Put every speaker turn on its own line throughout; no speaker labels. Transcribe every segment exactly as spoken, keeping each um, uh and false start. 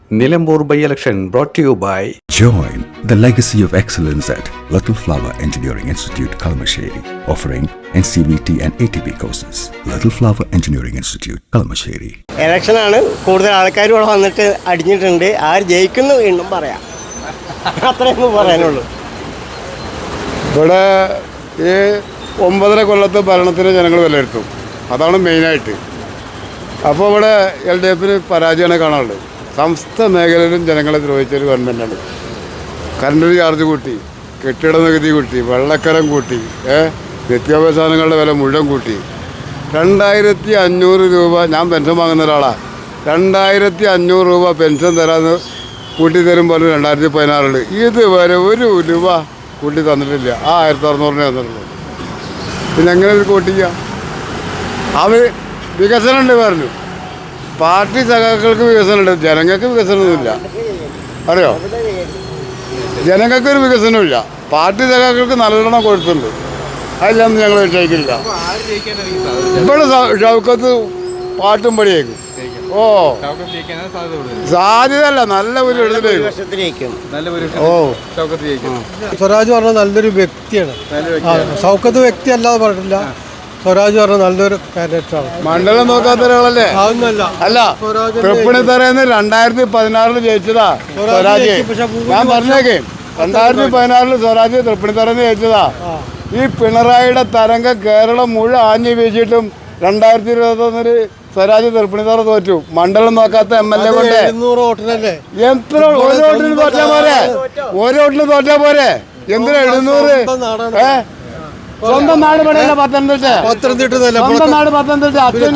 Nilambur by-election brought to you by
Join the legacy of excellence at Little Flower Engineering Institute, Kalamasheri, offering N C V T and A T P courses. Little Flower Engineering Institute, Kalamasheri.
ഇലക്ഷനാണ് കൂടുതൽ ആൾക്കാർ ഇവിടെ വന്നിട്ട് അടിഞ്ഞിട്ടുണ്ട്. ആര് ജയിക്കുന്നു വീണ്ടും പറയാം, അത്രയൊന്നും പറയാനുള്ളൂ.
ഇവിടെ ഈ ഒമ്പതര കൊല്ലത്തെ ഭരണത്തിന് ജനങ്ങൾ വിലയിരുത്തും, അതാണ് മെയിനായിട്ട്. അപ്പോൾ ഇവിടെ എൽ ഡി എഫിന് പരാജയമാണ് കാണാനുള്ളത്. സമസ്ത മേഖലയിലും ജനങ്ങളെ ദ്രോഹിച്ചൊരു ഗവൺമെൻറ്റാണ്. കറണ്ട് ചാർജ് കൂട്ടി, കെട്ടിട നികുതി കൂട്ടി, വെള്ളക്കരം കൂട്ടി, നിത്യോപയോഗ സാധനങ്ങളുടെ വില മുഴുവൻ കൂട്ടി. രണ്ടായിരത്തി അഞ്ഞൂറ് രൂപ ഞാൻ പെൻഷൻ വാങ്ങുന്ന ഒരാളാണ്. രണ്ടായിരത്തി അഞ്ഞൂറ് രൂപ പെൻഷൻ തരാമെന്ന് കൂട്ടി തരുമ്പോൾ രണ്ടായിരത്തി പതിനാറിൽ ഇതുവരെ ഒരു രൂപ കൂട്ടി തന്നിട്ടില്ല. ആ ആയിരത്തി അറുന്നൂറിനെ തന്നിട്ടുള്ളൂ. പിന്നെ എങ്ങനെ ഒരു കൂട്ടിക്കുക? അവർ വികസനമുണ്ട് പറഞ്ഞു. പാർട്ടി സഖാക്കൾക്ക് വികസനമുണ്ട്, ജനങ്ങൾക്ക് വികസനമൊന്നുമില്ല. അറിയോ? ജനങ്ങൾക്കൊരു വികസനമില്ല. പാർട്ടി സഖാക്കൾക്ക് നല്ലോണം കൊടുത്തുണ്ട്, അതിലൊന്നും ഞങ്ങൾ വിഷയിക്കില്ല. ഇവിടെ ഷൗക്കത്ത് പാട്ടും പടിയേക്കും. ഓ സാധ്യതയല്ല, നല്ല ഒരു ഇടത്തിലേക്കും. ഓ
സ്വരാജ് പറഞ്ഞ നല്ലൊരു വ്യക്തിയാണ്. ഷൗക്കത്ത് വ്യക്തി അല്ലാതെ പറഞ്ഞില്ല. സ്വരാജ് പറഞ്ഞ നല്ലൊരു കാൻഡിഡേറ്റാണ്.
മണ്ഡലം നോക്കാത്ത ഒരാളല്ലേ?
അതൊന്നല്ല.
അല്ല, തൃപ്പൂണിത്തറയിൽ രണ്ടായിരത്തി പതിനാറില് ജയിച്ചതാ സ്വരാജ്. ഞാൻ പറഞ്ഞേക്കേ, രണ്ടായിരത്തി പതിനാറില് സ്വരാജ് തൃപ്പൂണിത്തറന്ന് ജയിച്ചതാ. ഈ പിണറായിയുടെ തരംഗം കേരളം മുഴുവൻ ആഞ്ഞു വീശിയിട്ടും രണ്ടായിരത്തി ഇരുപത്തി ഒന്നില് സ്വരാജ് തൃപ്പൂണിത്തറ തോറ്റു. മണ്ഡലം നോക്കാത്ത എം എൽ എ കൊണ്ട് എത്ര ഒരു വോട്ടിന് തോറ്റാ പോരെ? ഒരു വോട്ടിന് തോറ്റാ പോരെ? എന്തിനാ എഴുന്നൂറ്? ഏ സ്വന്തം നാട് പണിയല്ല പത്തനംതിട്ട. പത്തനംതിട്ട സ്വന്തം നാട് പത്തനംതിട്ട.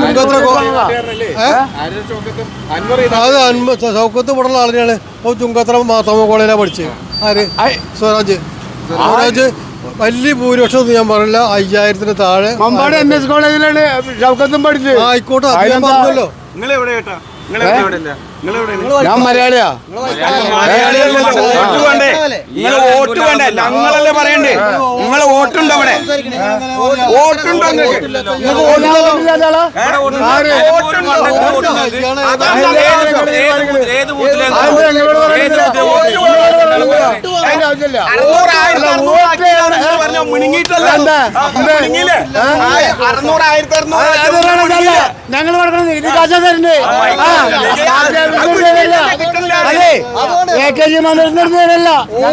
അത് ഷൗക്കത്ത് ഇവിടെയുള്ള ആളിനെയാണ്. ചുങ്കത്ര മാത്തമ്മ കോളേജിലാണ് പഠിച്ചത്. ആര്? സ്വരാജ്. സ്വരാജ് വലിയ ഭൂരിപക്ഷം ഞാൻ പറഞ്ഞില്ല, അയ്യായിരത്തിന് താഴെ.
മമ്പാട് എം എസ് കോളേജിലാണ് ഷൗക്കത്തും പഠിച്ചത്.
ആയിക്കോട്ടെ, പറഞ്ഞല്ലോ.
ഞാൻ മലയാളിയാ.
നിങ്ങൾ വോട്ട് വേണ്ട, ഞങ്ങളല്ലേ പറയണ്ടേ? നിങ്ങളെ വോട്ടുണ്ടോ അവിടെ? വോട്ടുണ്ടോ?
ഞങ്ങൾ കൊടുക്കണം നികുതി കാശ തരുന്നുണ്ട്. അതെ, എ കെ ജി മന്ത്രിസഭയിലല്ല.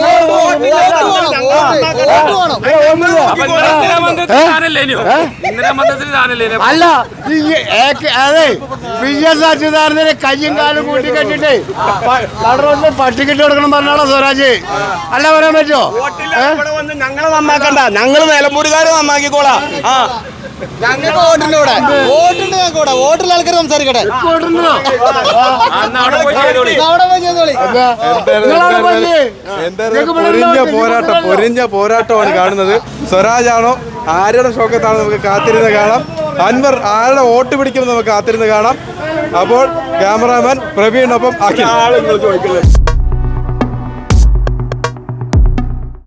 അല്ല, അതെ, വി എസ് അച്യുതാനന്ദനെ കയ്യും കാലും കൂട്ടി കെട്ടിട്ട് കടറോട്ടിൽ പട്ടിക്കിട്ട് കൊടുക്കണം പറഞ്ഞാളോ സ്വരാജ്? അല്ല, പറയാൻ പറ്റുമോ?
ഞങ്ങളെ നന്നാക്കണ്ട, ഞങ്ങള് നിലമ്പൂരുകാരെ നന്നാക്കിക്കോളാം. ആ
ഞങ്ങൾക്ക് വോട്ടുണ്ട് ഇവിടെ. വോട്ടുണ്ട് ഞങ്ങൾക്ക് ഇവിടെ. വോട്ടുള്ള ആൾക്കാർ സംസാരിക്കട്ടെ.
പൊരിഞ്ഞ പോരാട്ടം പൊരിഞ്ഞ പോരാട്ടമാണ് കാണുന്നത്. സ്വരാജാണോ ആരുടെ ഷൗക്കത്താണോ നമുക്ക് കാത്തിരുന്ന് കാണാം. അൻവർ ആരുടെ വോട്ട് പിടിക്കുമെന്ന് നമുക്ക് കാത്തിരുന്ന് കാണാം. അപ്പോൾ ക്യാമറാമാൻ പ്രവീണിനൊപ്പം അഖിൽ.